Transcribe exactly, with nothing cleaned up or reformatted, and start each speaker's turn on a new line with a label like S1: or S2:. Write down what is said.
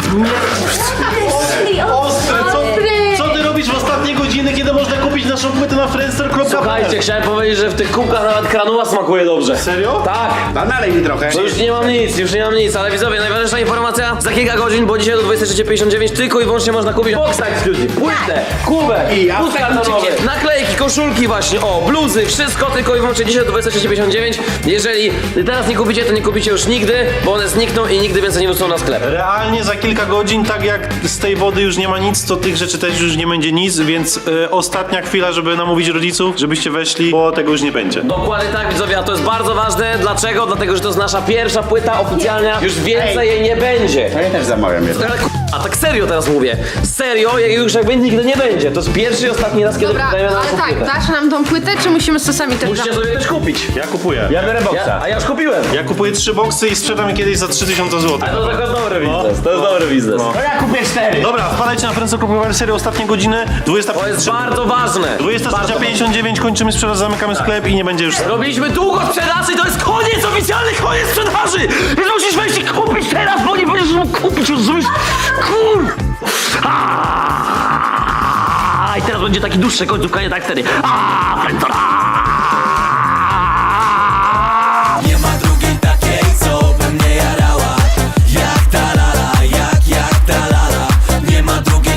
S1: Ostry,
S2: Ostre, co,
S1: ostry.
S2: co ty robisz w ostatnie godziny, kiedy można kupić naszą płytę na friendster kropka p l?
S3: Słuchajcie, chciałem powiedzieć, że w tych kubkach nawet kranuła smakuje dobrze.
S2: Serio?
S3: Tak.
S4: A nalej mi trochę.
S3: To już nie mam nic, już nie mam nic, ale widzowie, najważniejsza informacja, za kilka godzin, bo dzisiaj do dwudziestej trzeciej pięćdziesiąt dziewięć tylko i wyłącznie można kupić Box Exclusive, płytę, kubek,
S4: I
S3: pust kartonowy, naklejki, koszulki właśnie, o, bluzy, wszystko tylko i wyłącznie dzisiaj do dwudziestej trzeciej pięćdziesiąt dziewięć. Jeżeli teraz nie kupicie, to nie kupicie już nigdy, bo one znikną i nigdy więcej nie wrócą na sklep.
S2: Realnie za kilka godzin, tak jak z tej wody już nie ma nic, to tych rzeczy też już nie będzie nic, więc e, ostatnia chwila, żeby namówić rodziców, żebyście weszli, bo tego już nie będzie.
S3: Dokładnie tak, widzowie, a to jest bardzo ważne. Dlaczego? Dlatego, że to jest nasza pierwsza płyta oficjalna. Już więcej jej nie będzie.
S4: To ja też zamawiam jedno.
S3: Ale a tak serio teraz mówię. Serio, jak już jakby nigdy nie będzie. To jest pierwszy i ostatni raz, kiedy
S1: Dobra,
S3: wydajemy na
S1: ale
S3: naszą
S1: tak,
S3: płytę.
S1: dasz nam tą płytę, czy musimy sosami też
S3: Musicie
S1: dać?
S3: sobie też kupić.
S2: Ja kupuję.
S4: Ja biorę
S3: Ja,
S4: boksa.
S3: a ja już kupiłem.
S2: Ja kupuję trzy boksy i sprzedam je kiedyś za trzy tysiące złotych.
S3: Ale to tylko dobry biznes. To jest dobry biznes.
S2: No.
S4: To ja kupię cztery.
S2: Dobra, wpadajcie na friendster kropka p l serię ostatnie godziny, dwudziesta
S3: To jest bardzo ważne.
S2: dwudziesta
S3: Bardzo
S2: pięćdziesiąt dziewięć, kończymy sprzedaż, zamykamy sklep i nie będzie już...
S3: Robiliśmy długo sprzedaży, to jest koniec, oficjalny koniec sprzedaży! Więc musisz wejść i kupić teraz, bo nie będziesz mógł kupić, rozumiesz? Kur... Aaaa! I teraz będzie taki dłuższy końcówka, nie tak wtedy. Aaaa,